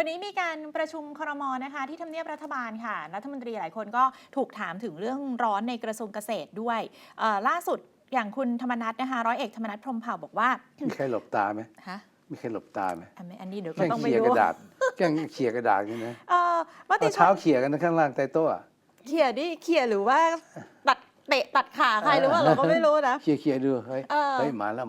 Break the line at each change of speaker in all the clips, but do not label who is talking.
วันนี้มีการประชุมครม.นะคะที่ทำเนียบรัฐบาลค่ะรัฐมนตรีหลายคนก็ถูกถามถึงเรื่องร้อนในกระทรวงเกษตรด้วยล่าสุดอย่างคุณธรรมนัสนะคะร้อยเอกธรรมนัสพรหมเผ่าบอกว่า
มีใครหลบตาไหม
ฮะ
มีใครหลบตาไหม
อันนี้เดี๋ยวก็
แกล้ง
ต้องไป
เขี่ย
ดู
กระดาษแกล้งเขี่ยกระดาษนี่นะ
มติช
เช้าน เขี่ยกันข้างล่างใต้โต๊ะ
เขี่ยดิเขี่ยหรือว่าตัดเตะตัดขาใครหรือว่าเราก็ไม่รู้นะ
เขี่ยดูเฮ้ยมาแล้ว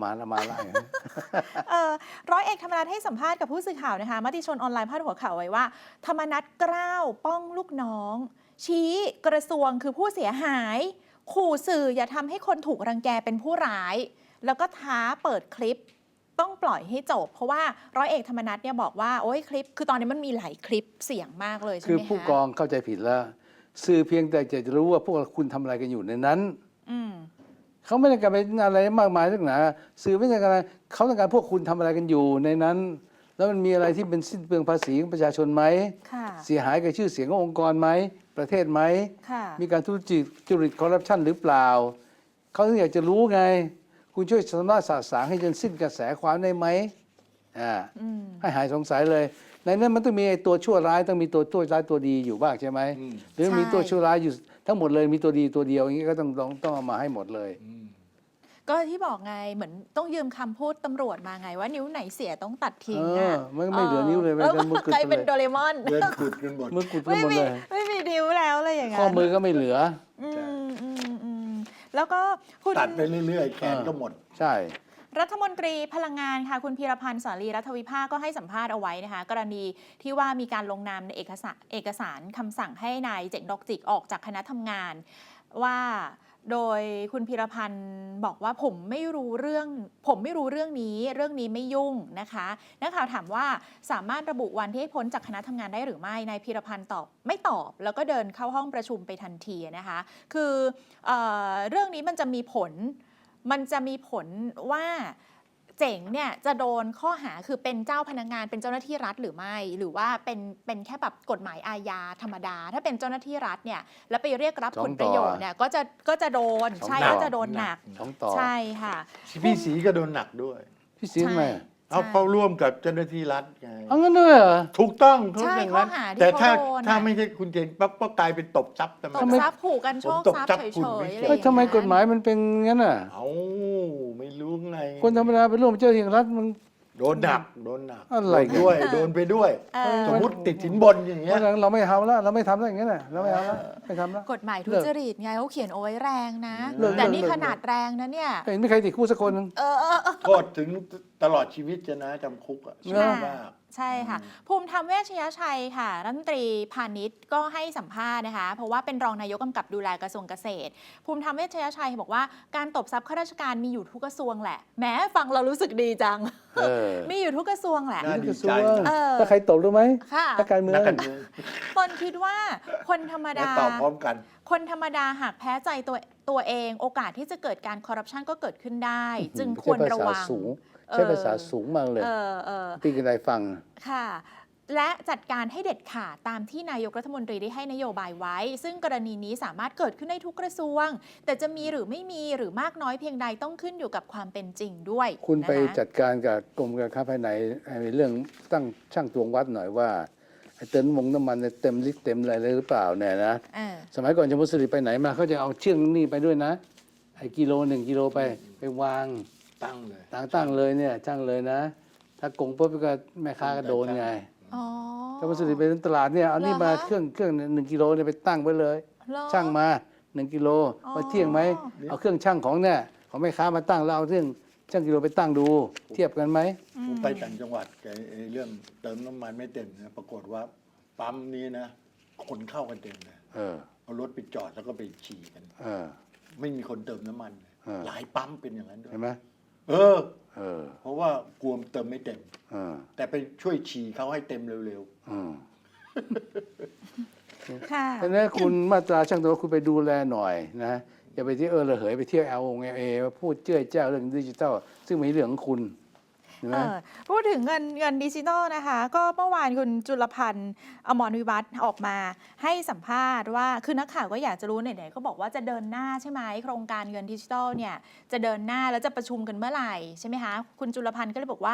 ร้อยเอกธรรมนัสให้สัมภาษณ์กับผู้สื่อข่าวนะคะมติชนออนไลน์พาดหัวข่าวไว้ว่าธรรมนัสกล้าวป้องลูกน้องชี้กระทรวงคือผู้เสียหายขู่สื่ออย่าทำให้คนถูกรังแกเป็นผู้ร้ายแล้วก็ท้าเปิดคลิปต้องปล่อยให้จบเพราะว่าร้อยเอกธรรมนัสเนี่ยบอกว่าโอ้ยคลิปคือตอนนี้มันมีหลายคลิปเสียงมากเลยใช่ไหมคะ
คือผู้กองเข้าใจผิดแล้วสื่อเพียงแต่จะรู้ว่าพวกคุณทำอะไรกันอยู่ในนั้นเขาไม่ได้การไปอะไรมากมายนักหนาสื่อไม่ได้การเขาต้องการพวกคุณทำอะไรกันอยู่ในนั้นแล้วมันมีอะไรที่เป็นสิ้นเปลืองภาษีของประชาชนไหมเสียหายกับชื่อเสียงขององค์กรไหมประเทศไหมมีการทุจริตคอร์รัปชันหรือเปล่าเขาถึงอยากจะรู้ไงคุณช่วยสำนักสาสางให้จนสิ้นกระแสความได้ไหมให้หายสงสัยเลยในนั้นมันต้องมีตัวชั่วร้ายต้องมีตัวร้ายตัวดีอยู่บ้างใช่ไหมหรือมีตัวชั่วร้ายอยู่ทั้งหมดเลยมีตัวดีตัวเดียวอย่างนี้ก็ต้องเอามาให้หมดเลย
ก็ที่บอกไงเหมือนต้องยืมคำพูดตำรวจมาไงว่านิ้วไหนเสียต้องตัดทิ้ง
มันไม่เหลือนิ้วเลย
มือกุดเป็นโดเรมอน
เดินกุดกันหมด
มือกุดกันหมดเลย
ไม่มีนิ้วแล้วเลยอย่างเงี้ย
ข้อมือก็ไม่เหลือ
แล้วก็คุณ
ตัดไปเรื่อยๆแขนก็หมด
ใช่
รัฐมนตรีพลังงานค่ะคุณพีรพันธ์สารีรัฐวิภาคก็ให้สัมภาษณ์เอาไว้นะคะกรณีที่ว่ามีการลงนามในเอกสารคำสั่งให้นายเจ๋งดอกจิกออกจากคณะทำงานว่าโดยคุณพีรพันธ์บอกว่าผมไม่รู้เรื่องนี้ไม่ยุ่งนะคะนักข่าวถามว่าสามารถระบุวันที่ให้พ้นจากคณะทำงานได้หรือไม่นายพีรพันธ์ไม่ตอบแล้วก็เดินเข้าห้องประชุมไปทันทีนะคะคือเรื่องนี้มันจะมีผลว่าเจ๋งเนี่ยจะโดนข้อหาคือเป็นเจ้าพนักงานเป็นเจ้าหน้าที่รัฐหรือไม่หรือว่าเป็นแค่แบบกฎหมายอาญาธรรมดาถ้าเป็นเจ้าหน้าที่รัฐเนี่ยแล้วไปเรียกรับผลประโยชน์เนี่ยก็จะโดนใช่ก็จะโดนหนักใช่ค่ะ
พี่ศรีก็โดนหนักด้วย
พี่ศรีไหม
เขาร่วมกับเจ้าหน้าที่รัฐไง
เอางั้นด้วยเหรอ
ถูกต้อง
ใช่ข้อหาที่
แต่ถ้าไม่ใช่คุณเจงปั๊บก็กลายเป็นตบทรัพย์
ตบทรัพย์ผูกกันโชคทรัพย์เฉย
ๆทำไมกฎหมายมันเป็นงั้นอ่ะ
ไม่รู้ไง
คนธรรมดาไปร่วมเจ้าหน้าที่รัฐมัน
โดนหนัก
อะไร
ด้วยโดนไปด้วยสมมติติดสินบนอย่างเงี้ย
เราไม่ทำแล้วเราไม่ทำแล้วอย่างเงี้ยนะเราไม่เอาแล้วไม่ทำแล้ว
กฎหมายทุจริตไงเขาเขียนเอาไว้แรงนะแต่นี่ขนาดแรงนะเนี่ย
เห็นไม่ใครติดคุกสักคนนึง
โทษถึงตลอดชีวิตจะนะจำคุกอ่ะ
ใช่ค่ะภูมิธรรมเวชยชัยค่ะรัฐมนตรีพาณิชย์ก็ให้สัมภาษณ์นะคะเพราะว่าเป็นรองนายกกำกับดูแลกระทรวงเกษตรภูมิธรรมเวชยชัยบอกว่าการตบทรัพย์ข้าราชการมีอยู่ทุกกระทรวงแหละแม้ฟังเรารู้สึกดีจังมีอยู่ทุกกระทรวงแหละ
กระทรวงถ้าใครตบรู้ไหมนักการเมือง
ตนคิดว่าคนธรรมดา
ตอบพร้อมกัน
คนธรรมดาหากแพ้ใจตัวเองโอกาสที่จะเกิดการคอร์รัปชันก็เกิดขึ้นได้จึงควรระวัง
ใช้ภาษาสูงมากเลยพี่กันได้ฟัง
ค่ะและจัดการให้เด็ดขาดตามที่นายกรัฐมนตรีได้ให้นโยบายไว้ซึ่งกรณีนี้สามารถเกิดขึ้นได้ทุกกระทรวงแต่จะมีหรือไม่มีหรือมากน้อยเพียงใดต้องขึ้นอยู่กับความเป็นจริงด้วย
คุณไปจัดการกับกรมการค้าภายในในเรื่องตั้งช่างตวงวัดหน่อยว่าเติมน้ำมันเต็มลิตรเต็มอะไรเลยหรือเปล่าเนี่ยนะสมัยก่อนชมพูสิริไปไหนมาเขาจะเอาเชือกนี่ไปด้วยนะไอ้กิโล1 กิโลไปวาง
ตั้ง
เลยเนี่ยช่างเลยนะถ้ากงปุ๊บก็แม่ค้าก็โดนไงชมพูสิริไปตลาดเนี่ยเอานี่มาเครื่อง1 กิโลเนี่ยไปตั้งไว้เลยช่างมา1 กิโลว่าเที่ยงไหมเอาเครื่องช่างของเนี่ยของแม่ค้ามาตั้งแล้วเอาเครื่องช่างกิโลไปตั้งดูเทียบกันไหม
ผมไปต่างจังหวัดเรื่องเติมน้ำมันไม่เต็มนะปรากฏว่าปั๊มนี้นะคนเข้ากันเต็มเลยเอารถไปจอดแล้วก็ไปฉี่กันไม่มีคนเติมน้ำมันหลายปั๊มเป็นอย่างนั้นด้วย
เห็นไหม
เพราะว่ากลัวเติมไม่เต็มแต่ไปช่วยฉี่เขาให้เต็มเร็ว
ๆค่ะฉะนั้นคุณมาตราช่างตัวคุณไปดูแลหน่อยนะอย่าไปที่ระเหยไปเที่ยวLA มาพูดเจ้ยเจ้าเรื่องดิจิทัลซึ่งไม่เรื่องของคุณ
พูดถึงเงินดิจิทัลนะคะก็เมื่อวานคุณจุลพันธ์อมรวิวัฒน์ออกมาให้สัมภาษณ์ว่าคือนักข่าวก็อยากจะรู้ไหนๆก็บอกว่าจะเดินหน้าใช่ไหมโครงการเงินดิจิทัลเนี่ยจะเดินหน้าแล้วจะประชุมกันเมื่อไหร่ใช่ไหมคะคุณจุลพันธ์ก็เลยบอกว่า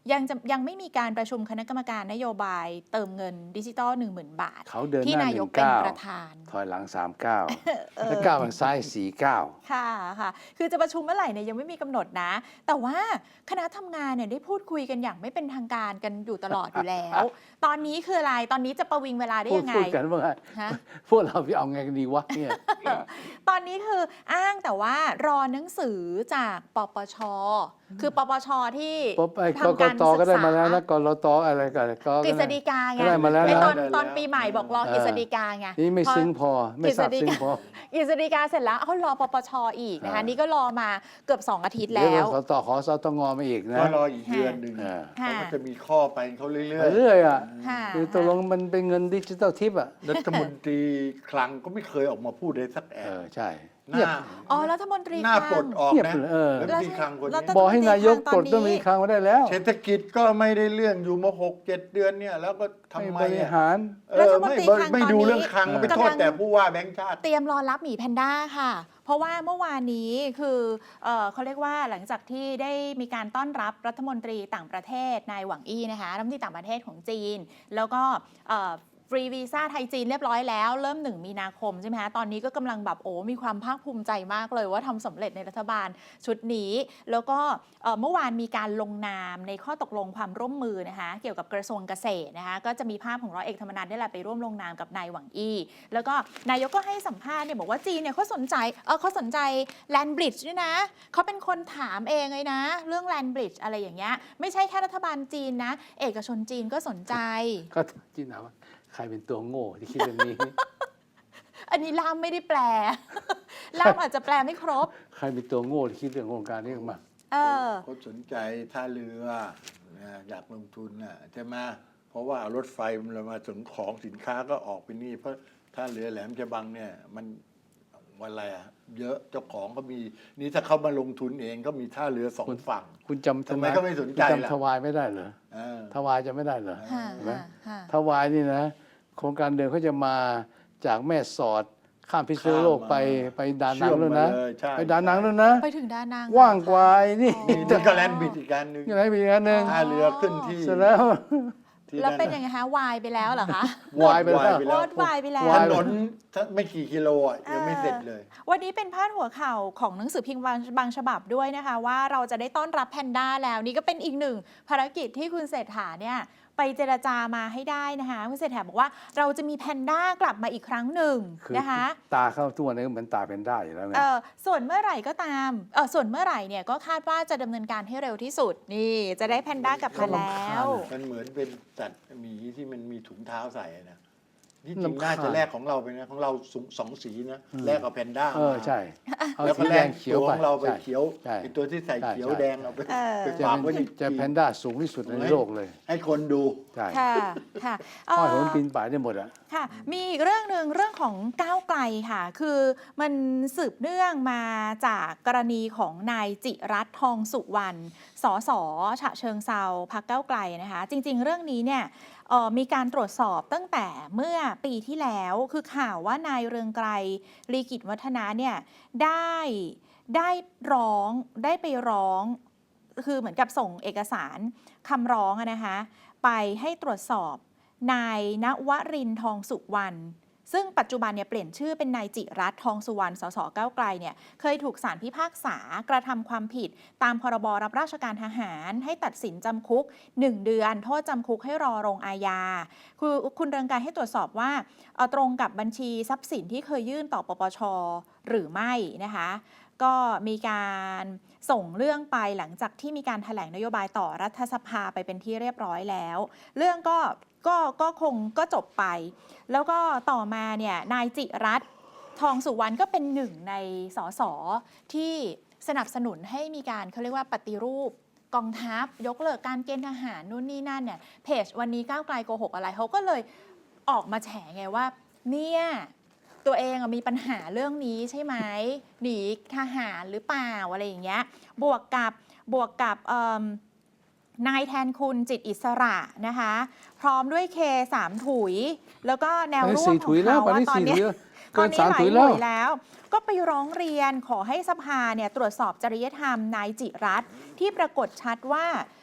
ยังไม่มีการประชุมคณะกรรมการนโยบายเติมเงินดิจิตอล 10,000 บาท
เขาเดินห
ที่
น้า
นา
ห
ย
นึ่
ก
ง
เป็น
ก้าว
ประธาน
ถอยหลัง3 ก้าวแล้วก้าวทางซ้าย4 ก้าว
ค่ะค่ะ คือจะประชุมเมื่อไหร่เนี่ยยังไม่มีกำหนดนะ แต่ว่าคณะทำงานเนี่ยได้พูดคุยกันอย่างไม่เป็นทางการกันอยู่ตลอดอยู่แล้ว ตอนนี้คืออะไร ตอนนี้จะประวิงเวลาได้ยังไง
พูดกันว่า
ฮะ
พวกเราพี่เอาไงกันดีวะเนี่ย
ตอนนี้คืออ้างแต่ว่ารอหนังสือจากปปช คือปปชที่
ปุ๊บไอ้ก
ทำ
ก
การ
ต
ศึ
ก็
ก
ได้
ษา
มาแล้วนะกรตอะไรกันก็
กฤษฎีกาไง
ก็ได้มาแล้ว
ไอ้
นะ
ตอนปีใหม่บอกรอกฤษฎีกาไง
นี่ไม่ซึ้งพอไม่ทราบซึ้งพอก
ฤษฎีกาเสร็จแล้วเขารอปปชอีกนะคะนี่ก็รอมาเกือบ2 อาทิตย์
เดี๋
แล้
ยว วสตขอสตงมาอีกนะ
ก็รออีกเดือนหนึ่ง
ค่ะ
เขาก็จะมีข้อไปเขาเรื่อย
เรื่อยอ่ะ
ค่ะ
คือตกลงมันเป็นเงินดิจิตอลทิปอ่ะ
ๆรัฐมนตรีคลังก็ไม่เคยออกมาพูดเลยสักแอ
เอบ อใช่
ห
เงียบ
น้า
อ๋อรัฐมนตรี
หน้า
ค
ปล
ลั
ด
ง
ออก
เงียบ
นะ
เลยเออ
รัฐมนตรีคลังคน
แล้ว
นี้
บอกให้นายกปลด
ต
ต้
อ
อน ง
นี้
มีครั้งมาได้แล้ว
เศรษฐกิจก็ไม่ได้เรื่องอยู่มา6-7 เดือนเนี่ยแล้วก็ทำไม
บริ
อ่ะ
หาร
รัฐมนตรีคลัง
ไม่
ตอน
ดู
นี้
เรื่องคลังไปโทษแต่ผู้ว่าแบงค์ชาติ
เตรียมรอรับหมีแพนด้าค่ะ เพราะว่าเมื่อวานนี้คือเขาเรียกว่าหลังจากที่ได้มีการต้อนรับรัฐมนตรีต่างประเทศนายหวังอี้นะคะรัฐมนตรีต่างประเทศของจีน แล้วก็ฟรีวีซ่าไทยจีนเรียบร้อยแล้วเริ่ม1 มีนาคมใช่ไหมคะตอนนี้ก็กำลังแบบมีความภาคภูมิใจมากเลยว่าทำสำเร็จในรัฐบาลชุดนี้ แล้วก็เมื่อวานมีการลงนามในข้อตกลงความร่วมมือนะคะเกี่ยวกับกระทรวงเกษตรนะคะก็จะมีภาพของร้อยเอกธรรมนัฐนี่แหละไปร่วมลงนามกับนายหวังอี้แล้วก็นายกก็ให้สัมภาษณ์เนี่ยบอกว่าจีนเนี่ยเขาสนใจแลนบริดจ์ด้วยนะเขาเป็นคนถามเองเลยนะเรื่องแลนบริดจ์อะไรอย่างเงี้ยไม่ใช่แค่รัฐบาลจีนนะเอกชนจีนก็สนใจ
ก็จีนถามว่าใครเป็นตัวโง่ที่คิดเรื่องนี้
อันนี้ล่ามไม่ได้แปล ล่ามอาจจะแปลไม่ครบ
ใครเป็นตัวโง่ที่คิดเรื่องโครงการนี้มา
เขาสนใจท่าเรืออยากลงทุนใช่ไหมเพราะว่ารถไฟมันมาส่งของสินค้าก็ออกไปนี่เพราะท่าเรือแหลมฉบังเนี่ยมันอะไรเยอะเจ้าของก็มีนี่ถ้าเขามาลงทุนเองก็มีท่าเรือ2 ฝั่ง
คุณจำ
ทำไมก็ไม่สนใจล่ะ
คุณจำทวายไม่ได้เหรอทวายจะไม่ได้เหรอ
ค่ะ
เห็นไหม
ค่ะ
ทวายนี่นะโครงการเดิมเขาจะมาจากแม่สอดข้ามพิษณุโลกไปดานังแล้วนะ
เชื่อมมาเลยใช่
ไปดานังแล้วนะ
ไปถึงดานัง
ว่างกว่าไอ้นี่
นี่ก็แลนด์บิดอีกการหนึ่ง
ยังไงมีอีกอันหนึ่ง
ท่าเรือขึ้นที่
เสร็จแล้ว
ที่
แล้วเป็น
ะ
ยังไงคะวายไปแล้วเหรอคะ
วายไปแล้ว
วอดวายไปแล้ว
ถนนไม่กี่กิโลยังไม่เสร็จเลย
วันนี้เป็นพาดหัวข่าวของหนังสือพิมพ์บางฉบับด้วยนะคะว่าเราจะได้ต้อนรับแพนด้าแล้วนี่ก็เป็นอีกหนึ่งภารกิจที่คุณเศรษฐาเนี่ยไปเจรจามาให้ได้นะคะคุณเศรษฐาบอกว่าเราจะมีแพนด้ากลับมาอีกครั้งหนึ่ง
คือ
นะคะ
ตาเข้าตัวนี้เหมือนตาเป็นได้อยู่แล้วไง
ส่วนเมื่อไหร่ก็ตามส่วนเมื่อไหร่เนี่ยก็คาดว่าจะดำเนินการให้เร็วที่สุดนี่จะได้แพนด้ากลับมาแล้ว
มันเหมือนเป็นสัตว์หมีที่มันมีถุงเท้าใส่นะที่จริง
รำคาญ
น่าจะแลกของเราไปนะของเรา2 สีนะแลกกับแพนด้า
ใช่เอา
แล้ว
สี
ก็แล
แด
ก
งเขี
เขี
ย
ยว ว
ไป
ของเราไป
ใช่
เขียว
ใช่
ไอตัวที่ใส่เขียว
ใช่
แดงเอาไป
เออ
ไป
จะ
ฝาก
เป็
ไว้
น
ใน
จะแพนด้าสูงที่สุดในโลกเลย
ให้คนดู
ใช่
ค่ะค่ะ
ห้อยโหนปีนป่ายได้หมดอ่ะ
ค่ะ มีอีกเรื่องหนึ่งเรื่องของก้าวไกลค่ะ คือมันสืบเนื่องมาจากกรณีของนายจิรัตน์ทองสุวรรณสสฉะเชิงเซาพรรคก้าวไกลนะคะ จริง ๆ เรื่องนี้เนี่ยมีการตรวจสอบตั้งแต่เมื่อปีที่แล้วคือข่าวว่านายเรืองไกรลีกิจวัฒนะเนี่ยได้ไปร้องคือเหมือนกับส่งเอกสารคำร้องนะคะไปให้ตรวจสอบนายณวรินทร์ทองสุวรรณซึ่งปัจจุบันเนี่ยเปลี่ยนชื่อเป็นนายจิรัตน์ทองสุวรรณสสก้าวไกลเนี่ยเคยถูกศาลพิพากษากระทำความผิดตามพรบรับราชการทหารให้ตัดสินจำคุก1 เดือนโทษจำคุกให้รอลงอาญาคือคุณเรืองไกรให้ตรวจสอบว่าตรงกับบัญชีทรัพย์สินที่เคยยื่นต่อปปชหรือไม่นะคะก็มีการส่งเรื่องไปหลังจากที่มีการแถลงนโยบายต่อรัฐสภาไปเป็นที่เรียบร้อยแล้วเรื่องก็คงก็จบไปแล้วก็ต่อมาเนี่ยนายจิรัตน์ทองสุวรรณก็เป็นหนึ่งในสสที่สนับสนุนให้มีการเขาเรียกว่าปฏิรูปกองทัพยกเลิกการเกณฑ์ทหารนู่นนี่นั่นเนี่ยเพจวันนี้ก้าวไกลโกหกอะไรเขาก็เลยออกมาแฉไงว่าเนี่ยตัวเองมีปัญหาเรื่องนี้ใช่ไหมหนีทหารหรือเปล่าอะไรอย่างเงี้ยบวกกับนายแทนคุณจิตอิสระนะคะพร้อมด้วยเค3 ถุยแล้วก็แนวร่วมของเขาว่าตอนนี้หลายหน่วยแล้วก็ไปร้องเรียนขอให้สภาเนี่ยตรวจสอบจริยธรรมนายจิรัตน์ที่ปรากฏชัดว่า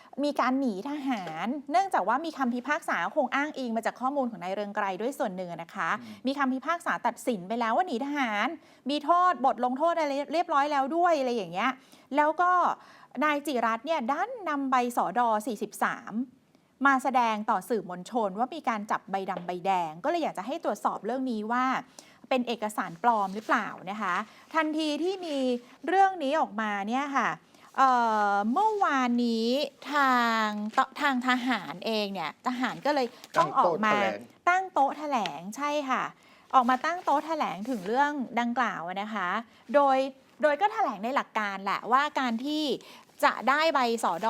มีการหนีทหาร เนื่องจากว่ามีคำพิพากษาคงอ้างอิงมาจากข้อมูลของนายเรืองไกรด้วยส่วนหนึ่งนะคะ มีคำพิพากษาตัดสินไปแล้วว่าหนีทหาร มีโทษบทลงโทษอะไรเรียบร้อยแล้วด้วยอะไรอย่างเงี้ยแล้วก็นายจิรัตน์เนี่ยดันนำใบสด43มาแสดงต่อสื่อมวลชนว่ามีการจับใบดำใบแดงก็เลยอยากจะให้ตรวจสอบเรื่องนี้ว่าเป็นเอกสารปลอมหรือเปล่านะคะทันทีที่มีเรื่องนี้ออกมาเนี่ยค่ะเมื่อวานนี้ทางทหารเองเนี่ยทหารก็เลยต้องออกมาตั้งโต๊ะแถลงใช่ค่ะออกมาตั้งโต๊ะแถลงถึงเรื่องดังกล่าวนะคะโดยก็แถลงในหลักการแหละว่าการที่จะได้ใบสด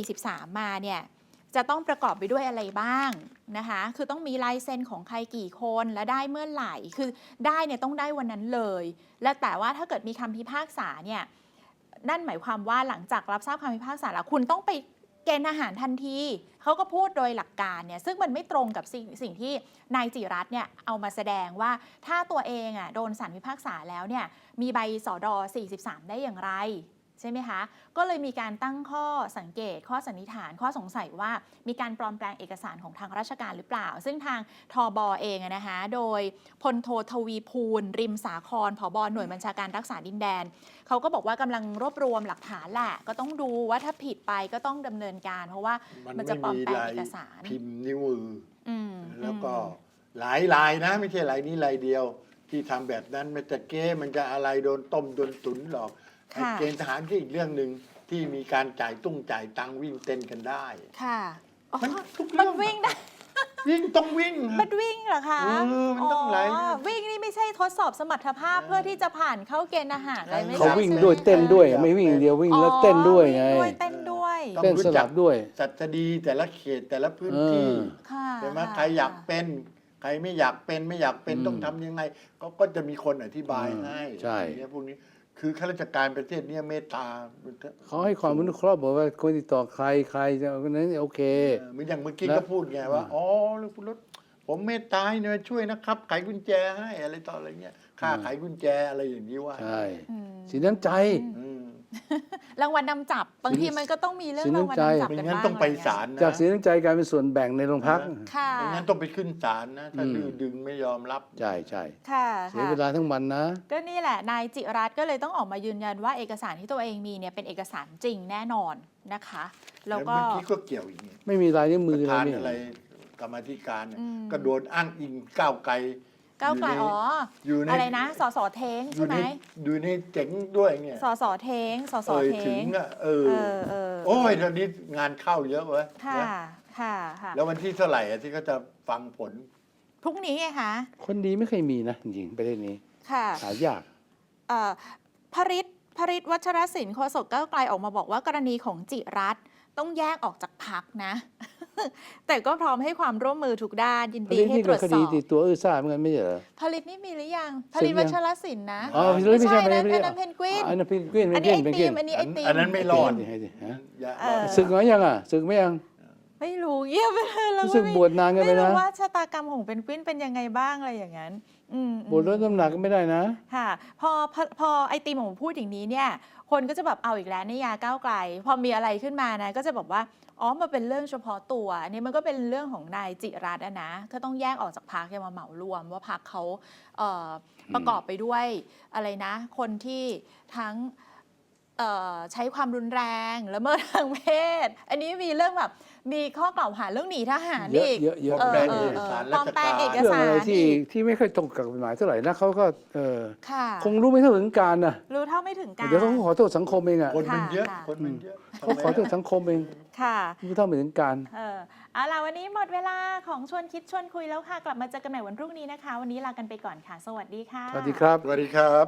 43มาเนี่ยจะต้องประกอบไปด้วยอะไรบ้างนะคะคือต้องมีลายเซ็นของใครกี่คนและได้เมื่อไหร่คือได้เนี่ยต้องได้วันนั้นเลยและแต่ว่าถ้าเกิดมีคำพิพากษาเนี่ยนั่นหมายความว่าหลังจากรับทราบคำพิพากษาแล้วคุณต้องไปเกณฑ์ทหารทันทีเขาก็พูดโดยหลักการเนี่ยซึ่งมันไม่ตรงกับสิ่งที่นายจิรัตน์เนี่ยเอามาแสดงว่าถ้าตัวเองโดนศาลพิพากษาแล้วเนี่ยมีใบสด43ได้อย่างไรใช่ไหมคะก็เลยมีการตั้งข้อสังเกตข้อสันนิษฐานข้อสงสัยว่ามีการปลอมแปลงเอกสารของทางราชการหรือเปล่าซึ่งทางทบเองนะคะโดยพลโททวีภูลริมสาครผบ.หน่วยบัญชาการรักษาดินแดนเขาก็บอกว่ากำลังรวบรวมหลักฐานแหละก็ต้องดูว่าถ้าผิดไปก็ต้องดำเนินการเพราะว่ามันจะปลอมแปลงเอกสาร
พิมพ์นิ้วมือแล้วก็หลายลายนะไม่ใช่ลายนี้ลายเดียวที่ทำแบบนั้นมันจะเก้มันจะอะไรโดนต้มโดนตุ๋นหรอกเกณฑ์ทหารที่อีกเรื่องหนึ่งที่มีการจ่ายตังวิ่งเต้นกันได้
ค่ะ
มันทุกเรื่อง
มันวิ่งได้
วิ่งต้องวิ่ง
มันวิ่งเหรอคะ
มันต้องไหล
วิ่งนี่ไม่ใช่ทดสอบสมรรถภาพเพื่อที่จะผ่านเข้าเกณฑ์ทหารอะไรไม่ใช่
เขาวิ่งด้วยเต้นด้วยไม่วิ่งเดียววิ่งแล้วเต้นด้วยไง
เต้นด้วย
เต้นสลับด้วย
สัตดีแต่ละเขตแต่ละพื้นที่ใช่ไหมใครอยากเป็นใครไม่อยากเป็นต้องทำยังไงก็จะมีคนอธิบายให้
ใช่
พวกนี้คือข้าราชการประเทศนี้เมตตา
เขาให้ความอนุเคราะห์บอกว่าคนติดต่อใครจะนั้นโอเค
เหมือนอย่างเมื่อกี้ก็พูดไงว่าอ๋อลูกคุณรถผมเมตตาเนี่ยช่วยนะครับไขกุญแจให้อะไรต่ออะไรเงี้ยค่าไขกุญแจอะไรอย่างนี้ว่า
ใช่สินน้ำใจ
รางวัลนำจับบางทีมันก็ต้องมีเรื่องรางวัลนำจับกันบ้าง
งั้นต้องไปศาลนะ
จากสินน้ำใจกลายเป็นส่วนแบ่งในโรงพัก
ค่ะ
งั้นต้องไปขึ้นศาลนะถ้าดึงไม่ยอมรับ
ใช่
ค่ะ
เสียเวลาทั้งวันนะ
ก็นี่แหละนายจิรัตน์ก็เลยต้องออกมายืนยันว่าเอกสารที่ตัวเองมีเนี่ยเป็นเอกสารจริงแน่นอนนะคะแล้วก็
เมื่อกี้ก็เกี่ยวอีก
ไม่มีลายนิ้วมือ
อะไรกรรมธิการก็โดนอ้างอิงก้าวไกล
อยู่ในอะไรนะสสเท้งใช่ไหม
อยู่ในเจ๋งด้วยเนี่ย
สสเท้ง
ถึงโอ้ยตอนนี้งานเข้าเยอะเว้ย
ค่ะ
แล้ววันที่เท่าไหร่ที่เขาจะฟังผล
พรุ่งนี้ไงคะ
คนดีไม่เคยมีนะจริงๆประเทศนี้หายาก
พริตวัชรศิลป์โฆษกก้าวไกลออกมาบอกว่ากรณีของจิรัตน์ต้องแยกออกจากพรรคนะแต่ก็พร้อมให้ความร่วมมือทุกด้านยินดีให้ตรวจสอบ
คดีตัวซ่าเหมือนกันไม่ใช่เหรอ
ผลิตนี่มีหรือยังผลิตวัชรศิลป์นะ
ไม่ใช่นะ
เพนกวิน
อันนั้นเพนกวินอันนี้
ไอติม
อันนั้นไม่รอด
ศึกน้อยยังศึกไม่ยัง
ไม่รู้เยี่ยมไปเลยเรา
ศึกบวชนานกันไปนะ
ไม่รู้ว่าชะตากรรมของเพนกวินเป็นยังไงบ้างอะไรอย่างนั้น
บวชลดน้ำหนักก็ไม่ได้นะ
ค่ะพอไอติมของพูดอย่างนี้เนี่ยคนก็จะแบบเอาอีกแล้วนิยาก้าวไกลพอมีอะไรขึ้นมานะก็จะบอกว่าอ๋อมันเป็นเรื่องเฉพาะตัวอันนี้มันก็เป็นเรื่องของนายจิรัตน์นะก็ต้องแยกออกจากพรรคอย่ามาเหมารวมว่าพรรคเขาประกอบไปด้วยอะไรนะคนที่ทั้งใช้ความรุนแรงละเมิดทางเพศอันนี้มีเรื่องแบบมีข้อกล่าวหาเรื่องหนีทหารอีก
เยอะ
ปลอมแปลงเอกสารราชการ
เอกสาร
ที่ไม่ค่อยตรงกับกฎหมายเท่าไหร่นะเขาก็คงรู้ไม่เท่าถึงการนะ
รู้เท่าไม่ถึงการ
เดี๋ยวเขาขอโทษสังคมเองอ่ะ
คนมันเยอะ
เขาขอโทษสังคมเอง
ค่ะ
รู้เท่าไม่ถึงการ
เอาล่ะวันนี้หมดเวลาของชวนคิดชวนคุยแล้วค่ะกลับมาเจอกันใหม่วันพรุ่งนี้นะคะวันนี้ลากันไปก่อนค่ะสวัสดีค่ะ
สวัสดีครับ
สวัสดีครับ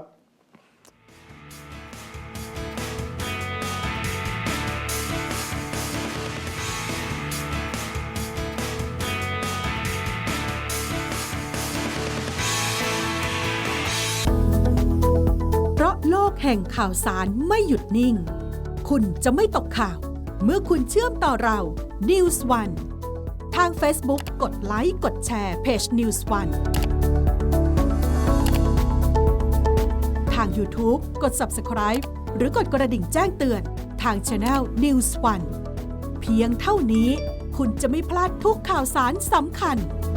โลกแห่งข่าวสารไม่หยุดนิ่งคุณจะไม่ตกข่าวเมื่อคุณเชื่อมต่อเรา News One ทาง Facebook กดไลค์กดแชร์เพจ News One ทาง YouTube กด Subscribe หรือกดกระดิ่งแจ้งเตือนทาง Channel News One เพียงเท่านี้คุณจะไม่พลาดทุกข่าวสารสำคัญ